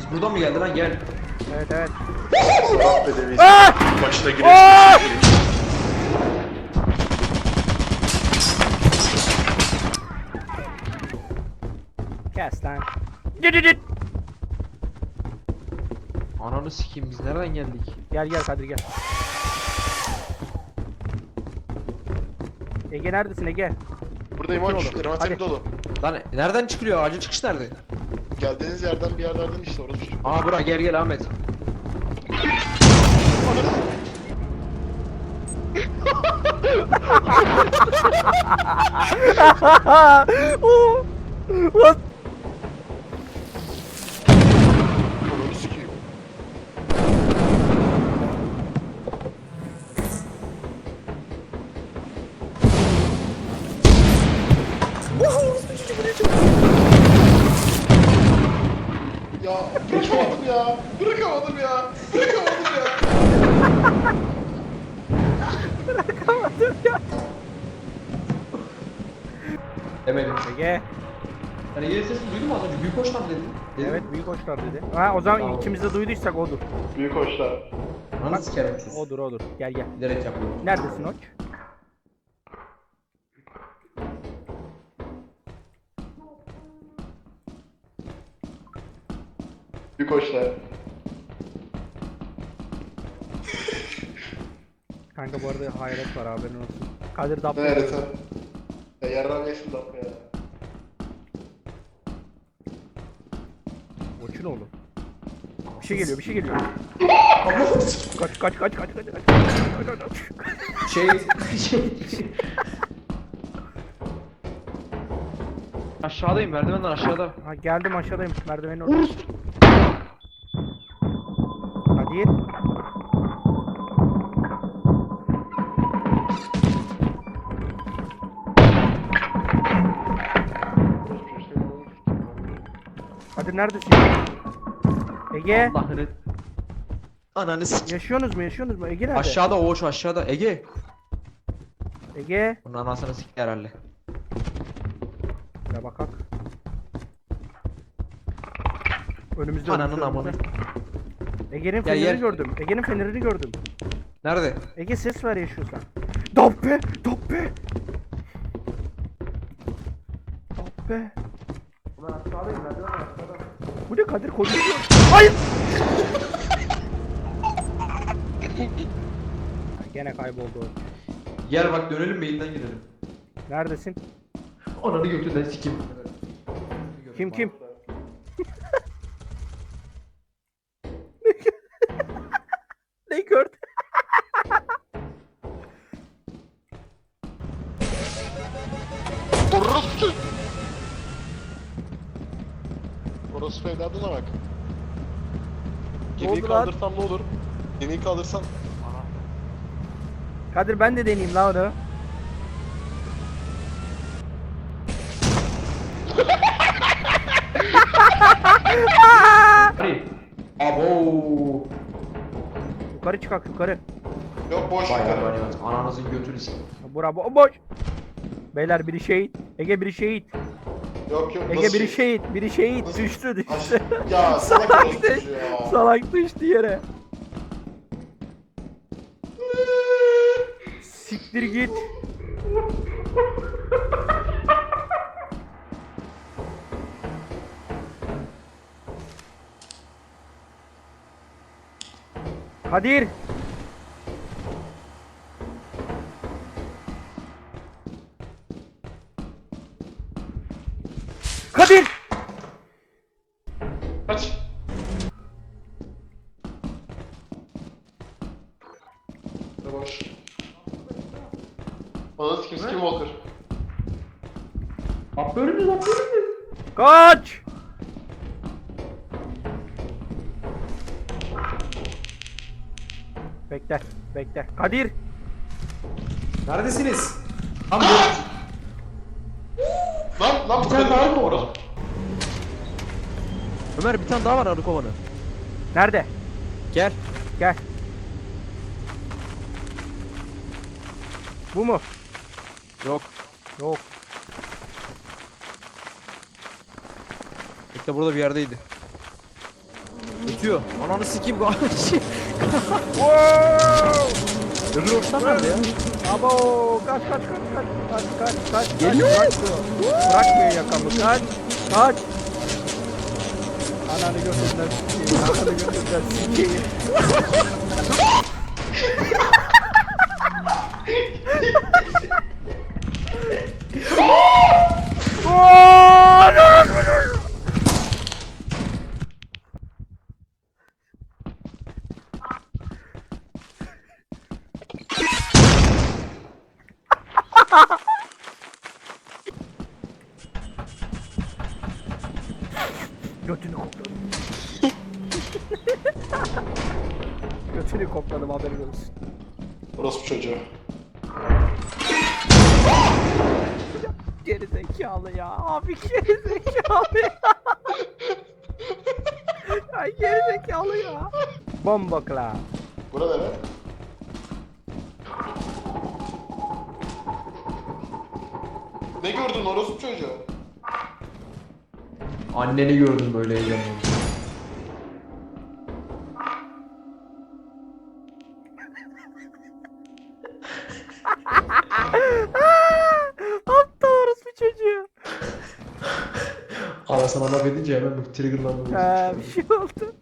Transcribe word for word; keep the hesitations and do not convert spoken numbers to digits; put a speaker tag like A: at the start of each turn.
A: Biz buradan mı geldi lan, gel.
B: Evet evet.
C: Arap bedevi. Başına girelim.
B: Kes lan. Git git.
A: Ananı sikeyim, biz nereden geldik?
B: Gel gel Kadir gel. Ege neredesin Ege?
C: Buradayım
B: Otur
C: aç.
B: oğlum,
C: Envanterim
B: hadi.
C: dolu.
A: Lan nereden çıkılıyor? Acil çıkış nerede?
C: Geldiğiniz yerden bir yerlerden işte orası.
A: Aa bura, gel gel Ahmet.
B: Oh, what?
C: Onu sikeyim. Ya bırakamadım ya. Bırakamadım ya. Bırakamadım ya.
B: Bırakamadım ya.
A: Demedim.
B: Ege.
A: Sen Ege'nin sesini duydun mu az önce? Büyük hoşlan dedin. Dedim.
B: Evet büyük hoşlar dedi. Ha o zaman
A: Tamam.
B: ikimiz de duyduysak odur.
C: Büyük hoşlar.
A: Ananı sikerim siz.
B: Odur odur. Gel gel.
A: Bilerek yapıyorum.
B: Neredesin Oç?
C: Büyük hoşlar.
B: Kanka bu arada hayalet var haberin olsun. Kadir dap.
C: Evet sen. Ya yarram yesin de ya.
B: Oçun oğlum. Bir şey geliyor bir şey geliyor. Kaç kaç kaç kaç kaç kaç. Kaç, kaç, kaç.
A: Şey... şey... Aşağıdayım, merdivenden aşağıda.
B: Ha geldim aşağıdayım merdivenin orada. Kadir. Kadir neredesin? Ege.
A: Allah'ını... Ananı sikeyim.
B: Yaşıyorsunuz mu yaşıyorsunuz mu? Ege nerede?
A: Aşağıda Oğuz, aşağıda. Ege.
B: Ege.
A: Bunun anasını sikti herhalde.
B: Ya bakak. Önümüzde
A: Ananın
B: önümüzde,
A: amını.
B: önümüzde. Ege'nin
A: Ya
B: fenerini
A: yer-
B: gördüm. Ege'nin fenerini gördüm.
A: Nerede?
B: Ege ses ver yaşıyorsan. Dabbe! Dabbe! Dabbe!
A: Ben aşağıdayım, merdiven aşağıda.
B: Bu ne Kadir konuşuyor. Hayır! Gene kayboldu o.
A: Gel bak, dönelim beyinden gidelim.
B: Neredesin?
A: Ananı götünden sikeyim.
B: Kim kim? Ne gördün?
C: Orası. Orası evladına bak. Gemiyi
B: oldu lan?
C: kaldırsam ne olur? Gemiyi kaldırsam.
B: Kadir ben de deneyeyim la onu.
A: Hadi. Abo.
B: Yukarı çıkak yukarı.
C: Yok boş
A: Vay
C: ver.
A: vay vay. Ananızın götünü sikeyim.
B: Bura bomboş. Beyler biri şehit. Ege biri şehit.
C: Yok yok.
B: Ege
C: nasıl
B: biri
C: şey?
B: şehit. Biri şehit.
C: Nasıl?
B: Düştü düştü.
C: Aş- Ya salak
B: Salak
C: orospu
B: düştü.
C: ya.
B: Salak düştü yere. Siktir git. Kadir. Kadir.
C: Kaç. Boş. Bana sikim sikim Walker.
A: Hap bölümüz, hap bölümüz.
B: Kaç. Bekle, bekle. Kadir.
A: Neredesiniz? Tam bu.
C: Lan lan
A: Bir
C: bu
A: tane
C: kadar
A: daha
C: mı
A: mı
C: orası?
A: orada? Ömer, bir tane daha var arı kovanı.
B: Nerede?
A: Gel.
B: Gel. Bu mu?
A: Yok.
B: Yok.
A: İşte burada bir yerdeydi.
D: tutuyor. Ananı sikeyim bu.
B: Wow!
D: Öbür ortam nerede ya?
B: Abo kaç kaç kaç kaç kaç kaç kaç
D: Geliyor.
B: kaç, bırakmıyor. Bırakmıyor yakamı kaç kaç. Ananı götünden sikeyim. Ananı götünden sikeyim. Götünü kokladım. Götünü kokladım haberin olsun.
C: Orospu çocuğu.
B: Geri zekalı ya. Abi geri zekalı ya. Ay geri zekalı ya. Bomba kla.
C: Burada ne? Ne gördün orospu çocuğu?
A: Anneni gördüm böyle heyecanlı.
B: Aptal orospu çocuğu.
A: Anasına laf edince hemen bir triggerlandım.
B: Ha bir şey oldu.